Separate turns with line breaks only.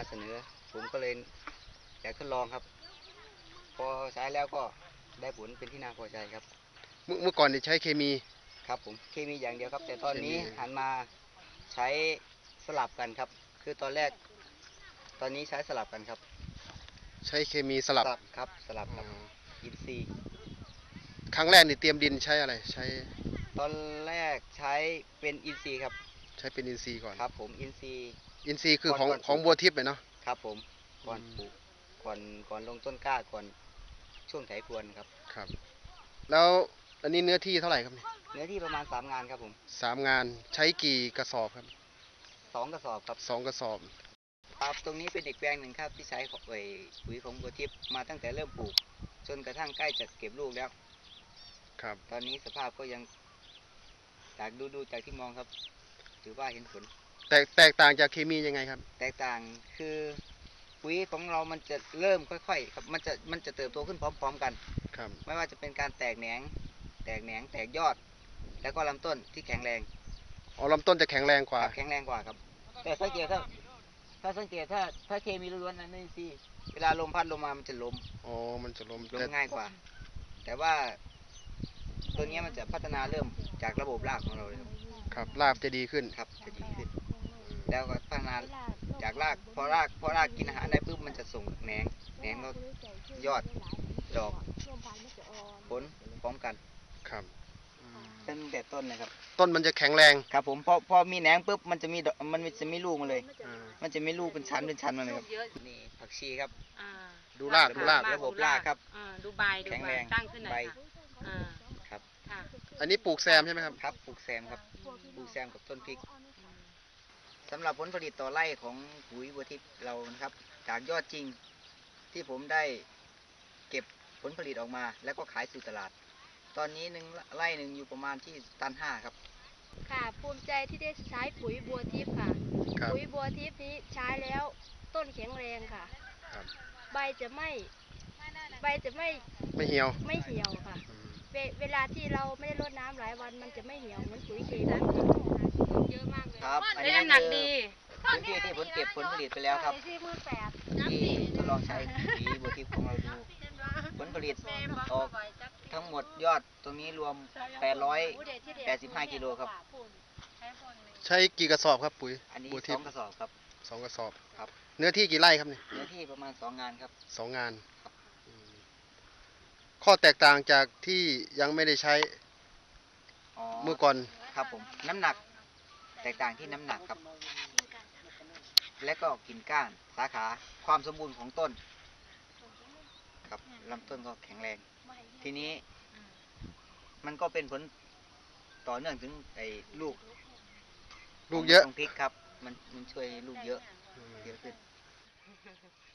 มาเสนอผมก็เลยอยากทดลองครับพอใช้แล้วก็ได้ผลเป็นที่น่าพอใจครับ
เมื่อก่อนใช้เคมี
ครับผมเคมีอย่างเดียวครับแต่ตอนนี้หันมาใช้สลับกันครับคือตอนนี้ใช้สลับกันครับ
ใช้เคมีสลับ
ครับสลับครับอินทรีย์
ครั้งแรกนี่เตรียมดินใช้อะไรใช้
ตอนแรกใช้เป็นอินทรีย์ครับ
ใช้เป็นอินทรีย์ก่อน
ครับผมอินทรีย์
คือของบัวทิพย์เนาะ
ครับผมก่อนปลูกก่อนลงต้นกล้าก่อนช่วงไถพรวนครับ
ครับแล้วอันนี้เนื้อที่เท่าไหร่ครับ
เนื้อที่ประมาณ3 งานครับผม
3 งานใช้กี่กระสอบครับ
2 กระสอบครับ
2 กระสอบ
ครับตรงนี้เป็นอีกแปลงหนึ่งครับที่ใช้ปุ๋ยของบัวทิพย์มาตั้งแต่เริ่มปลูกจนกระทั่งใกล้จะเก็บลูกแล้ว
ครับ
ตอนนี้สภาพก็ยังจากดูจากที่มองครับถือว่าเห็นผล
แตกต่างจากเคมียังไงครับ
แตกต่างคือปุ๋ยของเรามันจะเริ่มค่อยๆครับมันจะเติบโตขึ้นพร้อมๆกัน
ครับ
ไม่ว่าจะเป็นการแตกแหนงแตกยอดแล้วก็ลำต้นที่แข็งแรง
ลำต้นจะแข็งแรงกว่า
ครับแต่สังเกตถ้าสังเกตถ้าเคมีล้วนๆนั้นนี่สิเวลาลมพัดลงมามันจะล้ม
มันจะล้ม
ง่ายกว่าแต่ว่าตัวนี้มันจะพัฒนาเริ่มจากระบบรากของเราเลย
ครับรากจะดีขึ้น
ครับจะดีขึ้นแล้วก็พัฒนาจากรากพอรากกินอาหารได้ปุ๊บมันจะส่งแหนงก็ยอดดอกผลพร้อมกัน
ครับ
ตั้งแต่ต้นนะครับ
ต้นมันจะแข็งแรง
ครับผมพอมีแหนงปุ๊บมันจะมีลูกมาเลยมันจะมีลูกเป็นชั้นมาเลยครับนี่ผักชีครับ
ดูราก
ระบบรากครับ
ดูใบ
แข็งแรง
ตั้งขึ้นหน่อย
ครับ
อันนี้ปลูกแซมใช่ไหมครับ
ครับปลูกแซมครับปลูกแซมกับต้นพริกสำหรับผลผลิตต่อไร่ของปุ๋ยบัวทิพย์เรานะครับจากยอดจริงที่ผมได้เก็บผลผลิตออกมาแล้วก็ขายสู่ตลาดตอนนี้ไร่หนึ่งอยู่ประมาณที่ตัน 5ครับ
ค่ะภูมิใจที่ได้ใช้ปุ๋ยบัวทิพย์ค่ะปุ๋ยบัวทิพย์นี้ใช้แล้วต้นแข็งแรงค่ะใบจะไม่
เหี่ยว
ค่ะเวลาที่เราไม่ได้รดน้ำหลายวันมันจะไม่เหี่ยวเหมือนปุ๋ยเคมี
เยอะมากเลย
ครับอันนี้
น้ำหนักดี
พื้นที่ที่ผมเก็บผลผลิตไปแล้วครับที่ทดลองใช้ปุ๋ยบัวทิพย์ของเราดูผลผลิตออกทั้งหมดยอดตรงนี้รวม885 กิโลครับ
ใช้กี่กระสอบครับปุ๋ย
อันนี้2 กระสอบครับ
2 กระสอบ
ครับ
เนื้อที่กี่ไร่ครับเนี่ย
เนื้อที่ประมาณ2 งานครับ
2 งานข้อแตกต่างจากที่ยังไม่ได้ใช้เมื่อก่อน
ครับผมน้ำหนักแตกต่างที่น้ำหนักครับและก็กิ่งก้านสาขาความสมบูรณ์ของต้นครับลำต้นก็แข็งแรงทีนี้มันก็เป็นผลต่อเนื่องถึงลูก
เยอะ
พริกครับมันช่วยลูกเยอะขึ้น